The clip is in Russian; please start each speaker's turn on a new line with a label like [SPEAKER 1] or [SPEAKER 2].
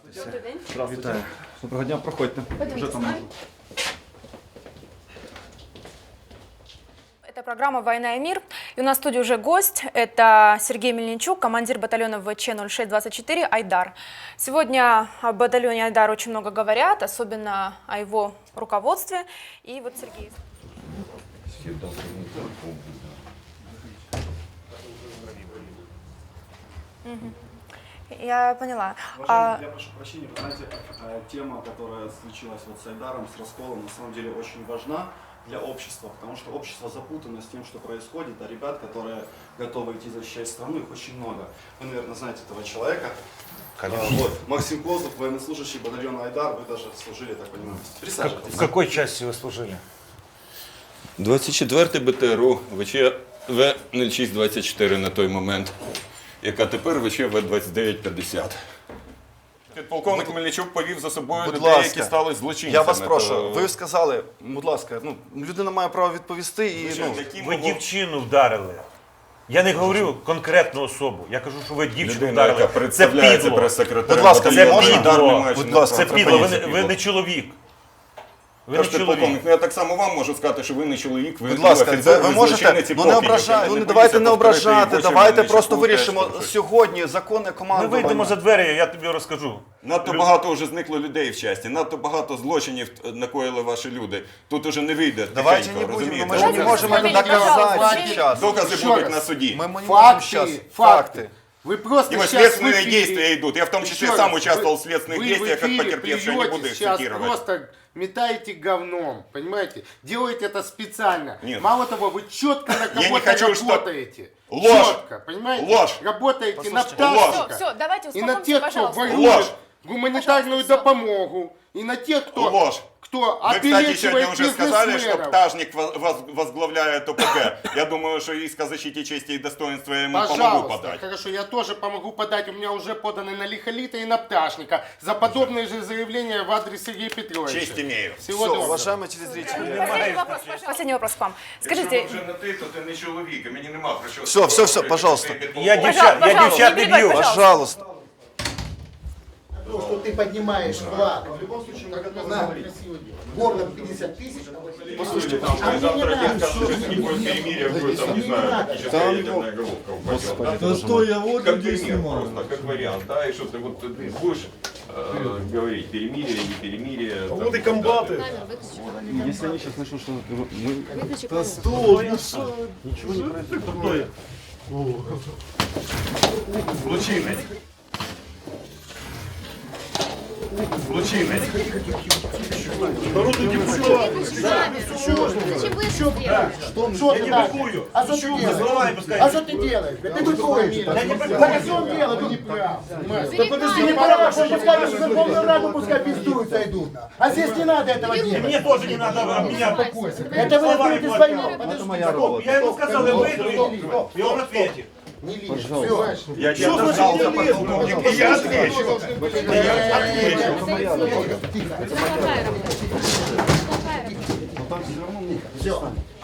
[SPEAKER 1] Добрий день.
[SPEAKER 2] Здравствуйте. Доброго дня, проходьте. Вже там можу.
[SPEAKER 1] Это программа «Война и мир». И у нас в студии уже гость. Это Сергей Мельничук, командир батальона ВЧ-0624 «Айдар». Сегодня о батальоне «Айдар» очень много говорят, особенно о его руководстве. И вот Сергей. Я поняла.
[SPEAKER 2] Уважаемый, я прошу прощения, вы знаете, тема, которая случилась вот с Айдаром, с расколом, на самом деле очень важна для общества, потому что общество запутано с тем, что происходит, а ребят, которые готовы идти защищать страну, их очень много. Вы, наверное, знаете этого человека.
[SPEAKER 3] Конечно.
[SPEAKER 2] Вот. Максим Козлов, военнослужащий батальона «Айдар», вы даже служили, так понимаю. Присаживайтесь.
[SPEAKER 3] В какой части вы служили?
[SPEAKER 4] 24-й БТРУ, ВЧ В-0624 на той момент, яка тепер ВЧ В-2950. Полковник Мельничук повів за собою
[SPEAKER 2] Будь
[SPEAKER 4] людей,
[SPEAKER 2] ласка,
[SPEAKER 4] які стали злочинцями.
[SPEAKER 2] Я вас прошу,
[SPEAKER 4] То-
[SPEAKER 2] ви сказали, будь ласка, людина має право відповісти і,
[SPEAKER 4] Звичайно, які
[SPEAKER 3] Ви
[SPEAKER 4] мого-
[SPEAKER 3] дівчину вдарили. Я не говорю конкретну особу. Я кажу, що ви дівчину
[SPEAKER 4] Людина,
[SPEAKER 3] вдарили.
[SPEAKER 4] яка
[SPEAKER 3] Це
[SPEAKER 4] представляється
[SPEAKER 3] підло.
[SPEAKER 4] прес-секретарем
[SPEAKER 2] Будь ласка,
[SPEAKER 4] батальйону
[SPEAKER 2] можна?
[SPEAKER 4] «Айдар», не маючи
[SPEAKER 2] Будь
[SPEAKER 4] на
[SPEAKER 2] ласка,
[SPEAKER 3] Це
[SPEAKER 4] права.
[SPEAKER 3] підло,
[SPEAKER 4] Це
[SPEAKER 3] ви не чоловік. Ви не
[SPEAKER 4] Кажете,
[SPEAKER 3] чоловік.
[SPEAKER 4] полковник, я так само вам можу сказати, що ви не чоловік, ви
[SPEAKER 2] будь ласка,
[SPEAKER 4] офіцер,
[SPEAKER 2] ви
[SPEAKER 4] ви
[SPEAKER 2] можете,
[SPEAKER 4] злочинець і
[SPEAKER 2] не
[SPEAKER 4] покидьок.
[SPEAKER 2] ображайте,
[SPEAKER 4] Я не
[SPEAKER 2] давайте не
[SPEAKER 4] боюся повторити,
[SPEAKER 2] ображати,
[SPEAKER 4] і потім
[SPEAKER 2] давайте
[SPEAKER 4] Мельничуку
[SPEAKER 2] просто
[SPEAKER 4] теж
[SPEAKER 2] вирішимо
[SPEAKER 4] щось.
[SPEAKER 2] сьогодні законне
[SPEAKER 3] Ми
[SPEAKER 2] командування.
[SPEAKER 3] вийдемо за двері, я тобі розкажу.
[SPEAKER 4] Надто багато вже зникло людей в часті, надто багато злочинів накоїли ваші люди. Тут уже не вийде
[SPEAKER 2] Давайте
[SPEAKER 4] тихенько,
[SPEAKER 2] не будемо,
[SPEAKER 4] розумієте?
[SPEAKER 2] ми ж не
[SPEAKER 1] Давайте
[SPEAKER 2] можемо
[SPEAKER 1] вспомнили,
[SPEAKER 2] доказати
[SPEAKER 1] пожалуйста.
[SPEAKER 2] зараз.
[SPEAKER 4] Докази
[SPEAKER 5] Еще
[SPEAKER 4] будуть
[SPEAKER 5] раз.
[SPEAKER 4] на суді.
[SPEAKER 2] Мы не можем сейчас факты.
[SPEAKER 5] Вы просто
[SPEAKER 4] И вот
[SPEAKER 5] сейчас в
[SPEAKER 4] следственные
[SPEAKER 5] эфире-
[SPEAKER 4] действия идут. Я в том числе
[SPEAKER 5] Еще
[SPEAKER 4] сам
[SPEAKER 5] раз,
[SPEAKER 4] участвовал в следственных
[SPEAKER 5] вы
[SPEAKER 4] действиях,
[SPEAKER 5] в
[SPEAKER 4] как
[SPEAKER 5] эфире
[SPEAKER 4] потерпевший, я не буду
[SPEAKER 5] плюете
[SPEAKER 4] их
[SPEAKER 5] сейчас
[SPEAKER 4] цитировать.
[SPEAKER 5] просто метаете говном, понимаете? Делаете это специально.
[SPEAKER 4] Нет.
[SPEAKER 5] Мало того, вы четко на
[SPEAKER 4] не
[SPEAKER 5] кого-то
[SPEAKER 4] хочу, что-
[SPEAKER 5] работаете.
[SPEAKER 4] Ложь.
[SPEAKER 5] Четко, понимаете?
[SPEAKER 4] Ложь.
[SPEAKER 5] Работаете на
[SPEAKER 4] Ложь.
[SPEAKER 5] пташника.
[SPEAKER 1] Все, давайте
[SPEAKER 5] И на
[SPEAKER 1] успокоимся,
[SPEAKER 5] тех, кто
[SPEAKER 1] пожалуйста.
[SPEAKER 5] воюет
[SPEAKER 4] Ложь.
[SPEAKER 5] гуманитарную
[SPEAKER 1] Пожалуйста, всё.
[SPEAKER 5] допомогу. И на тех, кто,
[SPEAKER 4] Ложь.
[SPEAKER 5] кто
[SPEAKER 4] Вы, кстати, сегодня
[SPEAKER 5] обелечивает
[SPEAKER 4] уже сказали, что
[SPEAKER 5] бизнесменов.
[SPEAKER 4] Пташник возглавляет ОПГ. Я думаю, что иск о защите чести и достоинства я ему помогу
[SPEAKER 5] Пожалуйста,
[SPEAKER 4] подать.
[SPEAKER 5] хорошо, я тоже помогу подать. У меня уже поданы на Лихолита и на Пташника за подобные же заявления в адрес Сергея Петровича.
[SPEAKER 4] Честь имею.
[SPEAKER 5] Всего
[SPEAKER 2] Все,
[SPEAKER 5] доброго.
[SPEAKER 2] уважаемые телезрители.
[SPEAKER 1] Последний вопрос к вам. Скажите,
[SPEAKER 4] Якщо ви вже на ти, то ти не чоловік, і мені нема про що
[SPEAKER 2] Все, все,
[SPEAKER 4] говорити.
[SPEAKER 2] пожалуйста.
[SPEAKER 3] Я
[SPEAKER 1] Пожалуйста,
[SPEAKER 3] дівчат не
[SPEAKER 1] не
[SPEAKER 3] б'ю.
[SPEAKER 1] перебивайте.
[SPEAKER 2] Пожалуйста.
[SPEAKER 6] То, что ты поднимаешь флаг на горло 50 тысяч,
[SPEAKER 4] Послушайте, там
[SPEAKER 6] а мне не
[SPEAKER 4] завтра
[SPEAKER 6] надо,
[SPEAKER 4] я скажу,
[SPEAKER 6] что
[SPEAKER 4] что никакое перемирие будет, там, не знаю, тактическая ядерная головка упадет.
[SPEAKER 7] Да что я вот
[SPEAKER 4] Как
[SPEAKER 7] где
[SPEAKER 4] пример
[SPEAKER 7] снимаю.
[SPEAKER 4] просто, как вариант, да, и что ты вот ты будешь говорить, перемирие, не перемирие.
[SPEAKER 7] Вот и комбаты.
[SPEAKER 2] Если они сейчас начнут, что мы...
[SPEAKER 7] Да стой, ну что? Ничего не происходит.
[SPEAKER 4] Злочинець. Злочинець.
[SPEAKER 7] Народу депутат.
[SPEAKER 6] что ты так? А что ты делаешь? А что ты делаешь? Ты быкуешь. Так а что он делает? Ты не прав. понимаешь? Да подожди, не прав, что пускай в Верховную Раду пускай пиздуются идут. А здесь не надо этого делать.
[SPEAKER 3] Мне тоже не надо об меня.
[SPEAKER 6] Это вы разберете свою.
[SPEAKER 2] Это моя работа.
[SPEAKER 3] Я ему сказал, я выйду, и он ответит.
[SPEAKER 6] Не лезь. Все.
[SPEAKER 4] Я тебе дождался, полковник, и я отвечу.
[SPEAKER 6] Все.